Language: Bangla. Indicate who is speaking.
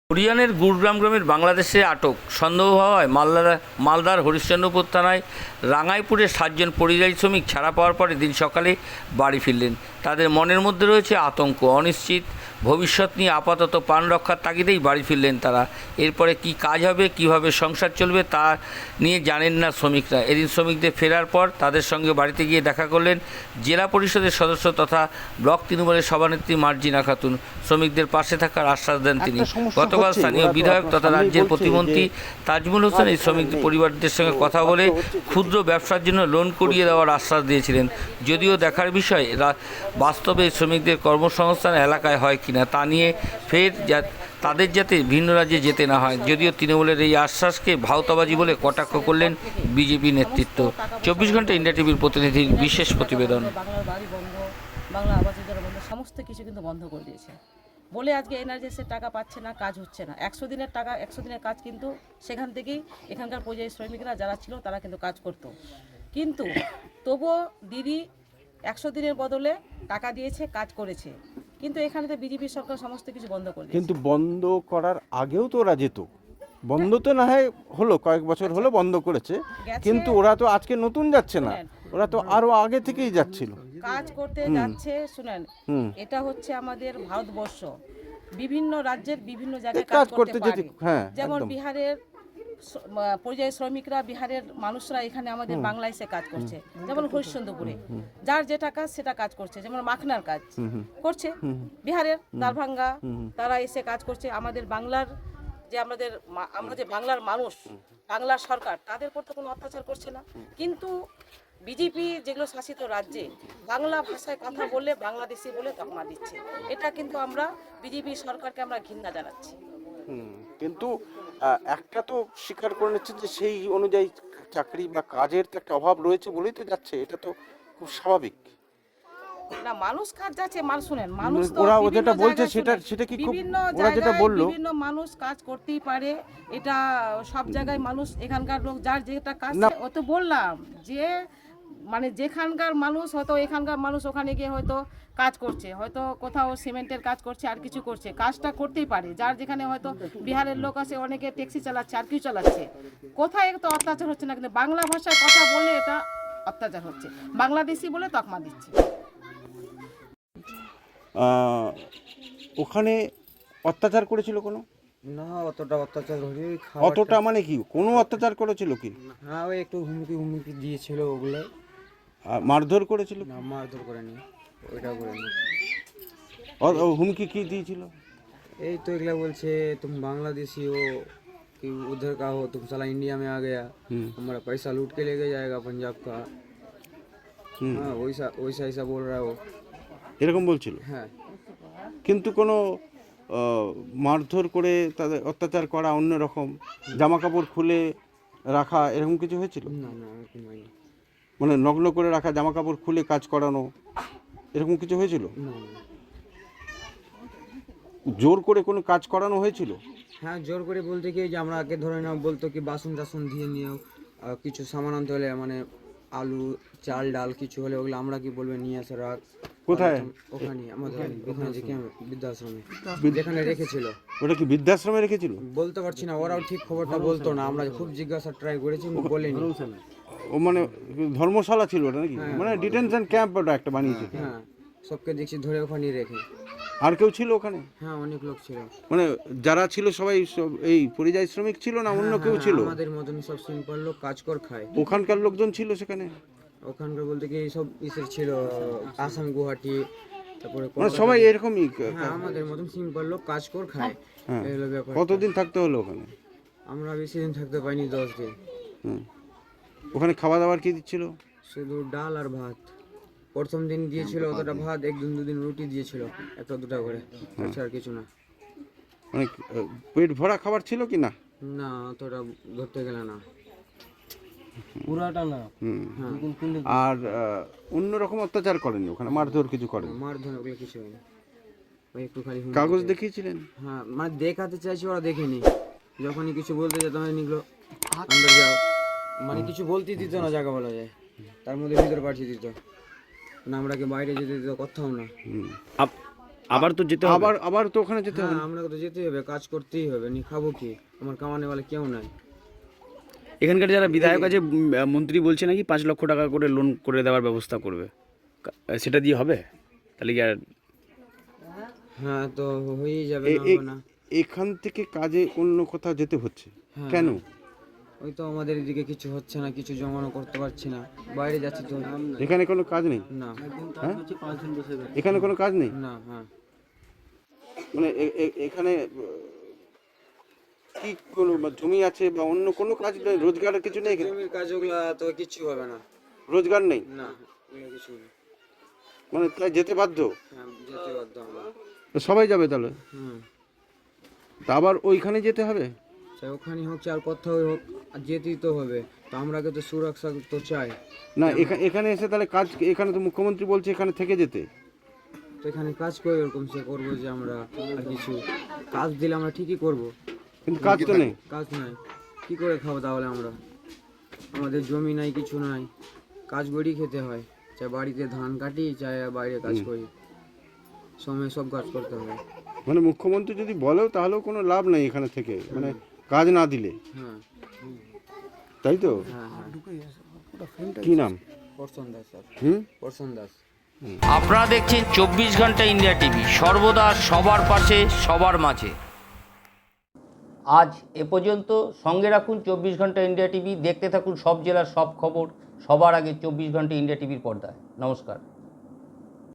Speaker 1: হরিয়ানার গুরগ্রাম গ্রামের বাংলাদেশে আটক সন্দেহ হওয়ায় মালদার হরিশ্চন্দ্রপুর থানায় রাঙাইপুরের 7 জন পরিযায়ী শ্রমিক ছাড়া পাওয়ার পরে দিন সকালে বাড়ি ফিরলেন। তাদের মনের মধ্যে রয়েছে আতঙ্ক, অনিশ্চিত ভবিষ্যৎ নিয়ে আপাতত প্রাণ রক্ষার তাগিদেই বাড়ি ফিরলেন তারা। এরপরে কি কাজ হবে, কিভাবে সংসার চলবে তা নিয়ে জানেন না শ্রমিকরা। এদিন শ্রমিকদের ফেরার পর তাদের সঙ্গে বাড়িতে গিয়ে দেখা করলেন জেলা পরিষদের সদস্য তথা ব্লক তৃণমূলের সভানেত্রী মার্জিনা খাতুন। শ্রমিকদের পাশে থাকার আশ্বাস দেন তিনি। গতকাল স্থানীয় বিধায়ক তথা রাজ্যের প্রতিমন্ত্রী তাজমুল হোসেন এই শ্রমিকদের পরিবারদের সঙ্গে কথা বলে ক্ষুদ্র ব্যবসার জন্য লোন করিয়ে দেওয়ার আশ্বাস দিয়েছিলেন। যদিও দেখার বিষয় বাস্তবে শ্রমিকদের কর্মসংস্থান এলাকায় হয় কিনা তা নিয়ে ফের তাদের যাতে ভিন্ন রাজ্যে যেতে না হয়। যদিও তৃণমূলের এই আশ্বাসকে ভাওতাবাজি বলে কটাক্ষ করলেন বিজেপি নেতৃত্ব। 24 ঘন্টা ইন্ডিয়া টিভির প্রতিনিধির বিশেষ প্রতিবেদন।
Speaker 2: বাংলার বাড়ি বন্ধ, বাংলা আবাস যোজনা বন্ধ, সমস্ত কিছু কিন্তু বন্ধ করে দিয়েছে বলে আজকে এনআরজিএসের টাকা পাচ্ছে না, কাজ হচ্ছে না। 100 দিনের টাকা, 100 দিনের কাজ কিন্তু সেখান থেকেই এখানকার পরিযায়ী শ্রমিকরা যারা ছিল তারা কিন্তু কাজ করতো। কিন্তু তবুও দিদি 100 দিনের বদলে টাকা দিয়েছে, কাজ করেছে। কিন্তু এখানে তো বিজেপি সরকার সমস্ত কিছু বন্ধ করে দিয়েছে।
Speaker 3: কিন্তু বন্ধ করার আগেও তো ওরা যেত, বন্ধ তো না হয় হলো, কয়েক বছর হলো বন্ধ করেছে, কিন্তু ওরা তো আজকে নতুন যাচ্ছে না, ওরা তো আরো আগে থেকেই যাচ্ছিল,
Speaker 2: কাজ করতে যাচ্ছে। শুনেন, এটা হচ্ছে আমাদের ভারতবর্ষ, বিভিন্ন রাজ্যের বিভিন্ন জায়গায় কাজ করতে পারে। যেমন বিহারের পরিযায়ী শ্রমিকরা, বিহারের মানুষরা এখানে আমাদের বাংলায় এসে কাজ করছে। যেমন হরিশ্চন্দ্রপুরে যার যেটা কাজ সেটা কাজ করছে, যেমন মাখনার কাজ করছে বিহারের দারভাঙ্গা, তারা এসে কাজ করছে। আমাদের বাংলার যে আমরা যে বাংলার মানুষ, বাংলার সরকার তাদের উপর তো কোনো অত্যাচার করছে না। কিন্তু বিজেপি যেগুলো শাসিত রাজ্যে বাংলা ভাষায় কথা বললে বাংলাদেশি বলে তকমা দিচ্ছে। এটা কিন্তু আমরা বিজেপি সরকারকে আমরা ঘৃণা জানাচ্ছি।
Speaker 3: কিন্তু একটা তো স্বীকার করে নিচ্ছে যে সেই অনুযায়ী চাকরি বা কাজের তো একটা অভাব রয়েছে বলেই তো যাচ্ছে, এটা তো খুব স্বাভাবিক
Speaker 2: না। মানুষ কাজ যাচ্ছে, শুনেন, মানুষ তো
Speaker 3: ওরা যেটা বলছে সেটা কি খুব, ওরা যেটা বললো
Speaker 2: বিভিন্ন মানুষ কাজ করতেই পারে, এটা সব জায়গায় মানুষ, এখানকার লোক যার যেটা কাজ, ও তো বললাম যে মানে যেখানকার মানুষ হয়তো এখানকার মানুষ ওখানে গিয়ে হয়তো কাজ করছে, হয়তো কোথাও সিমেন্টের কাজ করছে, আর কিছু করছে, কাজটা করতেই পারে। যার যেখানে হয়তো বিহারের লোক আছে, অনেকে ট্যাক্সি চালাচ্ছে, আর কিছু চালাচ্ছে, কোথায় তো অত্যাচার হচ্ছে না। কিন্তু বাংলা ভাষায় কথা বললে এটা অত্যাচার হচ্ছে, বাংলাদেশি বলে তকমা দিচ্ছে।
Speaker 3: ওখানে অত্যাচার করেছিল কোনো?
Speaker 4: না, অতটা অত্যাচার হয়নি।
Speaker 3: অতটা মানে কি, কোনো অত্যাচার করেছিল কি?
Speaker 4: হ্যাঁ, ওই একটু হুমকি দিয়েছিল, ওগুলো।
Speaker 3: মারধর করেছিল?
Speaker 4: না, মারধর করেনি, ওইটা করেনি।
Speaker 3: হুমকি কি দিয়েছিল?
Speaker 4: এই তো এগুলা বলছে, তুমি বাংলাদেশি हो कि उधर का हो, तुम साला इंडिया में आ गया, हमारा पैसा लूट के लेके जाएगा पंजाब का। हाँ, वैसा वैसा ऐसा बोल रहा है वो।
Speaker 3: এরকম বলছিল?
Speaker 4: হ্যাঁ।
Speaker 3: কিন্তু কোনো মারধর করে তাদের অত্যাচার করা, অন্যরকম জামা কাপড় খুলে রাখা, এরকম কিছু হয়েছিল?
Speaker 4: না না, এরকম হয়নি।
Speaker 3: মানে নগ্ন করে রাখা, জামা কাপড় খুলে কাজ করানো, এরকম কিছু হয়েছিল?
Speaker 4: না না।
Speaker 3: জোর করে কোনো কাজ করানো হয়েছিল?
Speaker 4: হ্যাঁ, জোর করে বলতে কি, যে আমরা আগে ধরে নাও, বলতো কি বাসন টাসন দিয়ে নিও, কিছু সামান আনতে হলে, মানে আলু চাল ডাল কিছু হলে ওগুলো আমরা কি বলবে নিয়ে আসে রাখ।
Speaker 3: কোথায়?
Speaker 4: ওখানে আমাদের ওখানে যে বৃদ্ধাশ্রমে যেখানে রেখেছিল।
Speaker 3: ওটা কি বৃদ্ধাশ্রমে রেখেছিল?
Speaker 4: বলতে পারছি না, ওরাও ঠিক খবরটা বলতো না, আমরা খুব জিজ্ঞাসা ট্রাই করেছি, বলেনি।
Speaker 3: ও মানে ধর্মশালা ছিল ওটা নাকি? মানে ডিটেনশন ক্যাম্প ওটা একটা বানিয়েছে?
Speaker 4: হ্যাঁ, সবকে দেখছি ধরে ওখানে রেখে।
Speaker 3: আর কেউ ছিল ওখানে?
Speaker 4: হ্যাঁ, অনেক লোক ছিল।
Speaker 3: মানে যারা ছিল সবাই এই পরিযায়ী শ্রমিক ছিল না অন্য কেউ ছিল?
Speaker 4: আমাদের মতন সব সিম্পল লোক, কাজ কর খায়।
Speaker 3: ওখানকার লোকজন ছিল সেখানে?
Speaker 4: ওখানকার বলতে কি সব ইসের ছিল, আসাম, গুয়াহাটি, তারপরে
Speaker 3: মানে সবাই এরকমই?
Speaker 4: হ্যাঁ, আমাদের মতন সিম্পল লোক, কাজ কর খায়, এই হলো ব্যাপার।
Speaker 3: কতদিন থাকতে হলো ওখানে?
Speaker 4: আমরা বেশি দিন থাকতে পাইনি, 10 দিন।
Speaker 3: ওখানে খাওয়া দাওয়ার কি দিচ্ছিল?
Speaker 4: শুধু ডাল আর ভাত। প্রথম দিন দিয়েছিল অতটা ভাত, একদিন দুদিন রুটি দিয়েছিল, একটা দুটা করে, আর কিছু না।
Speaker 3: মানে পেট ভরা খাবার ছিল কি না?
Speaker 4: না, অতটা ধরতে গেলে না,
Speaker 2: পুরাটা না।
Speaker 3: আর অন্যরকম অত্যাচার করেনি ওখানে? মারধর কিছু করেনি?
Speaker 4: মারধর ওগুলো কিছু হয়নি, ওই একটু খালি
Speaker 3: কাগজ দেখিয়েছিলেন?
Speaker 4: হ্যাঁ, মানে দেখাতে চাইছি, ওরা দেখেনি। যখনই কিছু বলতে যেতাম, নিগুলো আন্দার যাও, মানে কিছু বলতে দিত না, জায়গা বলা যায়, তার মধ্যে ভিতরে পাঠিয়ে দিত না, আমরাকে বাইরে যেতে দিত কোথাও না।
Speaker 5: আবার তো যেতে হবে।
Speaker 3: আবার তো ওখানে যেতে হবে।
Speaker 4: হ্যাঁ, আমরা তো যেতেই হবে, কাজ করতেই হবে, নি খাবো কি, আমার কামানে বলে কেউ নাই।
Speaker 5: এখানকার যারা বিধায়ক আছে, মন্ত্রী বলছে নাকি 5 লক্ষ টাকা করে লোন করে দেওয়ার ব্যবস্থা করবে, সেটা দিয়ে হবে? তাহলে কি আর
Speaker 4: হ্যাঁ, তো হয়েই যাবে, না হবে না।
Speaker 3: এখান থেকে কাজে অন্য কোথাও যেতে হচ্ছে
Speaker 4: হ্যাঁ।
Speaker 3: কেন?
Speaker 4: ওই তো আমাদের এদিকে কিছু হচ্ছে না, কিছু জমানো করতে পারছি না, বাইরে যাচ্ছি তো।
Speaker 3: এখানে কোনো কাজ নেই?
Speaker 4: না
Speaker 3: হ্যাঁ, এখানে কোনো কাজ নেই
Speaker 4: না। হ্যাঁ,
Speaker 3: মানে এখানে কি কোনো জমি আছে বা অন্য কোনো কাজ নেই, রোজগারের কিছু নেই এখানে?
Speaker 4: জমির কাজ ওগুলা তো কিছু হবে না।
Speaker 3: রোজগার নেই
Speaker 4: না, ওগুলো কিছু নেই।
Speaker 3: মানে তাই যেতে বাধ্য?
Speaker 4: হ্যাঁ, যেতে বাধ্য আমরা।
Speaker 3: তো সবাই যাবে তাহলে?
Speaker 4: হুম,
Speaker 3: তা আবার ওইখানে যেতে হবে?
Speaker 4: চাই ওখানে হোক চাই আর কোথাও হোক, আর যেতেই তো হবে। তো আমরাকে তো সুরক্ষা তো চাই।
Speaker 3: না এখানে এসে তাহলে কাজ, এখানে তো মুখ্যমন্ত্রী বলছে এখানে থেকে যেতে।
Speaker 4: তো এখানে কাজ করে ওরকম সে করবো যে আমরা আর কিছু কাজ দিলে আমরা ঠিকই করব,
Speaker 3: কিন্তু কাজ তো নেই।
Speaker 4: কাজ নাই কি করে খাবো তাহলে আমরা? আমাদের জমি নাই, কিছু নাই, কাজ করেই খেতে হয়, চাই বাড়িতে ধান কাটি চাই বাইরে কাজ করি, সময় সব কাজ করতে হয়।
Speaker 3: মানে মুখ্যমন্ত্রী যদি বলেও তাহলেও কোনো লাভ নেই এখানে থেকে, মানে কাজ না দিলে,
Speaker 4: হ্যাঁ
Speaker 3: তাই তো?
Speaker 4: হ্যাঁ হ্যাঁ।
Speaker 3: কি নাম?
Speaker 4: পরশন দাস স্যার,
Speaker 3: হুম,
Speaker 4: পরশন দাস।
Speaker 1: আপনারা দেখছেন 24 ঘন্টা ইন্ডিয়া টিভি, সর্বদা সবার পাশে সবার মাঝে। আজ এ পর্যন্ত। সঙ্গে রাখুন 24 ঘন্টা ইন্ডিয়া টিভি, দেখতে থাকুন সব জেলার সব খবর সবার আগে 24 ঘন্টা ইন্ডিয়া টিভির পর্দায়। নমস্কার।